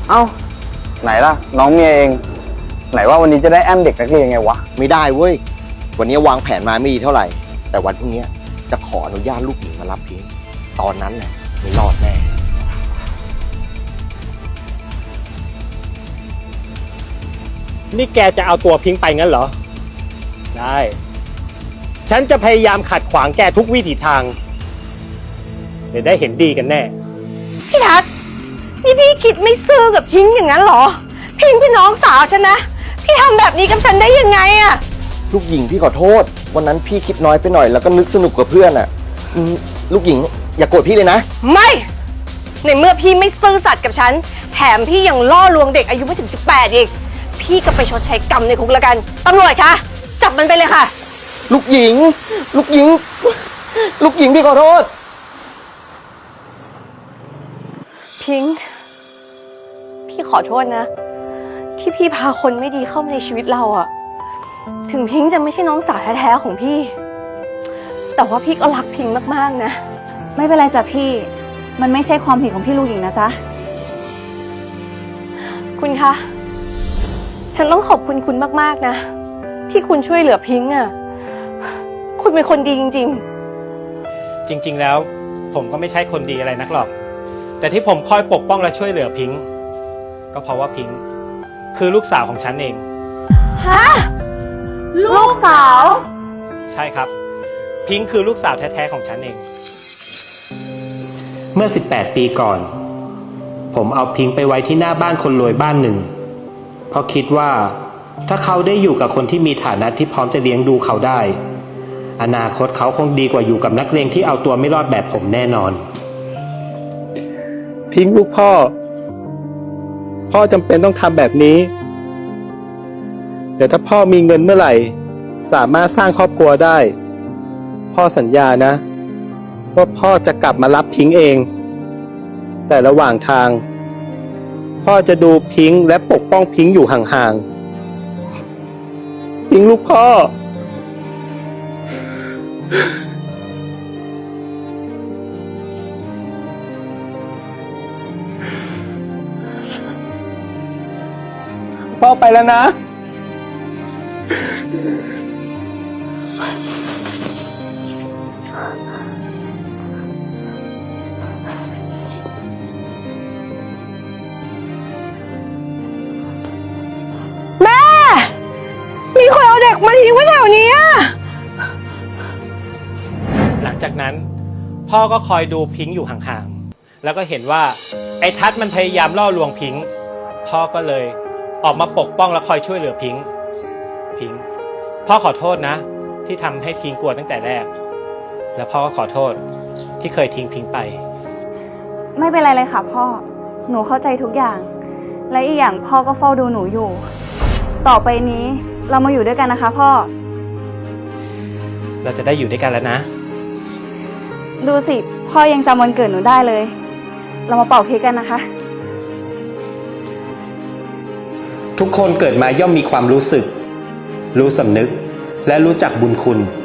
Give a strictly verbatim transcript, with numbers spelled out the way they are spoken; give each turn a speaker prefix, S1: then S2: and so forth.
S1: เอ้าไหนล่ะน้องเมียเองไหนว่าวันนี้จะได้แอมเด็กนักเรียนไงวะ
S2: ไม่ได้เว้ยวันนี้วางแผนมาไม่ดีเท่าไหร่แต่วันพรุ่งนี้จะขออนุญาตลูกหญิงมารับพิงค์ตอนนั้นแหละไม่รอดแน่
S3: นี่แกจะเอาตัวพิงค์ไปงั้นเหรอได้ฉันจะพยายามขัดขวางแกทุกวิถีทางเดี๋ยวได้เห็นดีกันแน่
S4: พี่ทัศน์นี่พี่คิดไม่ซื่อกับพิงค์อย่างนั้นเหรอพิงค์พี่น้องสาวฉันนะพี่ทำแบบนี้กับฉันได้ยังไงอะ
S2: ลูกหญิงพี่ขอโทษวันนั้นพี่คิดน้อยไปหน่อยแล้วก็นึกสนุกกับเพื่อนอะลูกหญิงอย่าโกรธพี่เลยนะ
S4: ไม่ในเมื่อพี่ไม่ซื่อสัตย์กับฉันแถมพี่ยังล่อลวงเด็กอายุไม่ถึงสิบแปดอีกพี่ก็ไปชดใช้กรรมในคุกแล้วกันตำรวจคะจับมันไปเลยค่ะ
S2: ลูกหญิงลูกหญิงลูกหญิงพี่ขอโทษ
S4: พิงค์พี่ขอโทษนะที่พี่พาคนไม่ดีเข้ามาในชีวิตเราอะถึงพิงค์จะไม่ใช่น้องสาวแท้ๆของพี่แต่ว่าพี่ก็รักพิงค์มากๆนะ
S5: ไม่เป็นไรจ้ะพี่มันไม่ใช่ความผิดของพี่ลูกหญิงนะจ๊ะ
S4: คุณคะฉันต้องขอบคุณคุณมากๆนะที่คุณช่วยเหลือพิงค์อะคุณเป็นคนดีจริง
S3: ๆจริงๆแล้วผมก็ไม่ใช่คนดีอะไรนักหรอกแต่ที่ผมคอยปกป้องและช่วยเหลือพิงค์ก็เพราะว่าพิงค์คือลูกสาวของฉันเอง
S4: ฮะลูกสาว
S3: ใช่ครับพิงค์คือลูกสาวแท้ๆของฉันเองเมื่อสิบแปดปีก่อนผมเอาพิงค์ไปไว้ที่หน้าบ้านคนรวยบ้านหนึ่งเพราะคิดว่าถ้าเขาได้อยู่กับคนที่มีฐานะที่พร้อมจะเลี้ยงดูเขาได้อนาคตเขาคงดีกว่าอยู่กับนักเลงที่เอาตัวไม่รอดแบบผมแน่นอน
S6: พิงค์ลูกพ่อพ่อจำเป็นต้องทำแบบนี้เดี๋ยวถ้าพ่อมีเงินเมื่อไหร่สามารถสร้างครอบครัวได้พ่อสัญญานะว่าพ่อจะกลับมารับพิงค์เองแต่ระหว่างทางพ่อจะดูพิงค์และปกป้องพิงค์อยู่ห่างๆพิงค์ลูกพ่อพ่อไปแล้วนะ
S4: แม่มีคนเอาเด็กมาทิ้งไว้แถวนี้
S3: หลังจากนั้นพ่อก็คอยดูพิงค์อยู่ห่างๆแล้วก็เห็นว่าไอ้ทัศน์มันพยายามล่อลวงพิงค์พ่อก็เลยออกมาปกป้องและคอยช่วยเหลือพิงค์พิงค์พ่อขอโทษนะที่ทำให้พิงค์กลัวตั้งแต่แรกและพ่อก็ขอโทษที่เคยทิ้งพิงค์ไป
S5: ไม่เป็นไรเลยค่ะพ่อหนูเข้าใจทุกอย่างและอีกอย่างพ่อก็เฝ้าดูหนูอยู่ต่อไปนี้เรามาอยู่ด้วยกันนะคะพ่อ
S3: เราจะได้อยู่ด้วยกันแล้วนะ
S5: ดูสิพ่อยังจำวันเกิดหนูได้เลยเรามาเป่าเค้กกันนะคะ
S3: ทุกคนเกิดมาย่อมมีความรู้สึกรู้สำนึกและรู้จักบุญคุณ